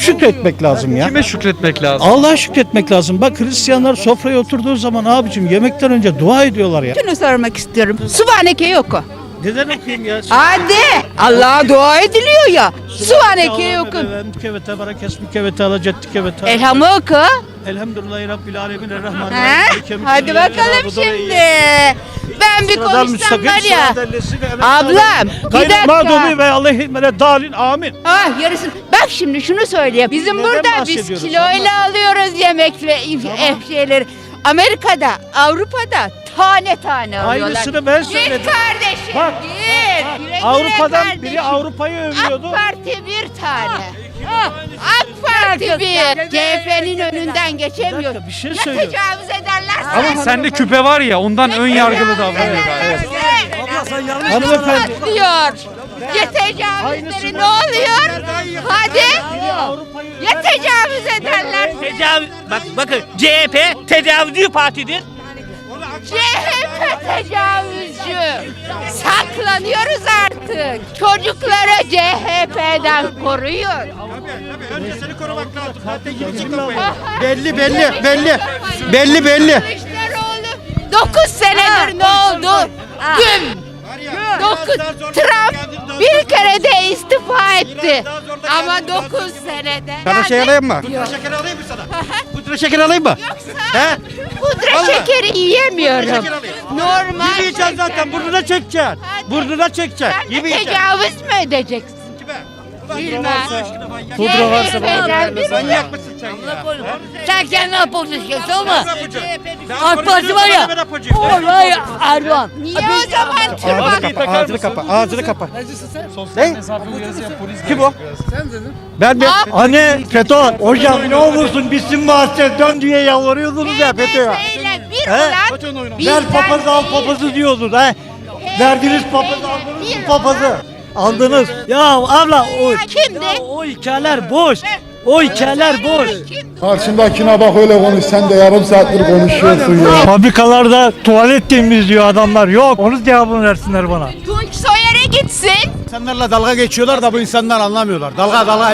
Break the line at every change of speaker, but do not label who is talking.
şükretmek lazım ya.
Kime şükretmek lazım?
Allah'a şükretmek lazım. Bak Hristiyanlar sofraya oturduğu zaman abicim yemekten önce dua ediyorlar ya.
Şunu sormak istiyorum. Sübhaneke yok o.
Neden okuyayım ya?
Hadi. Allah'a dua ediliyor ya. Sübhaneke okun. Elhamı oku.
Elhamdülillahi Rabbil Alemin
Ha?
Errahmanirrahim.
Hadi bakalım şimdi. Ben bir konuşsam var ya. Ablam bir dakika.
Mağdubi ve aleyhim dalin amin.
Ah yarısın. Bak şimdi şunu söyleyeyim. Bizim
Neden
burada biz
bahsediyoruz?
kiloyla alıyoruz yemek ve şeyleri. Amerika'da, Avrupa'da tane tane alıyorlar.
Aynısını ben
Git
söyledim.
kardeşim
Bak,
git. Güle güle
Avrupa'dan
kardeşim.
biri Avrupa'yı övüyordu.
AK Parti bir tane. AK Parti bir. CHP'nin önünden geçemiyor.
Bir dakika, bir şey
Ya
söylüyorum.
tecavüz ederler.
Ama sende küpe var ya ondan ön yargılı davranıyor galiba.
Hanımefendi.
Diyor. Ya tecavüzleri ne oluyor? Hadi. Ya tecavüz ederler.
Bakın CHP tecavüzcü partidir.
CHP tecavüzcü. Saklanıyoruz artık. Çocukları CHP'den koruyun.
Önce seni korumak lazım. Zaten
Belli.
Kılıçdaroğlu 9 senedir ne oldu? Gün. 9 Trump bir kere de istifa etti. Ama 9 senede.
Sana şey alayım mı? Pudra şekeri alayım mı sana? Pudra şekeri alayım mı?
Yoksa pudra şekeri yiyemiyorum. Normal
Yiyeceksin zaten burnuna çekeceksin. Burnuna çekeceksin.
Sen de
Yemeyeceksin.
tecavüz mü edeceksin? Bilmem.
Pudra
varsa bana
Manyak mısın sen ya?
Sen kendin apozisyonu olma.
Ben
AK Parti var ya.
ben apacıyım.
Olay Erdoğan.
Niye o zaman tırnak?
Ağzını kapa. Ne? Kim o?
Ben de anne FETÖ hocam ne olursun bitsin bahçe dön diye yalvarıyordunuz ya FETÖ'ye.
MHP bir olan
Ver
bizden
papazı al
değil.
papazı diyordun ha. Verdiniz papazı aldınız
Bir
mı papazı? Aldınız. Ya abla
Kimdi?
o hikayeler boş. O hikayeler boş.
Kimdi?
Karşındakine bak öyle konuş. Sen de yarım saattir konuşuyorsun ya.
Fabrikalarda tuvalet temizliyor adamlar. Yok. Onun cevabını versinler bana.
Tunç Soyer'e gitsin.
İnsanlarla dalga geçiyorlar da bu insanlar anlamıyorlar. Dalga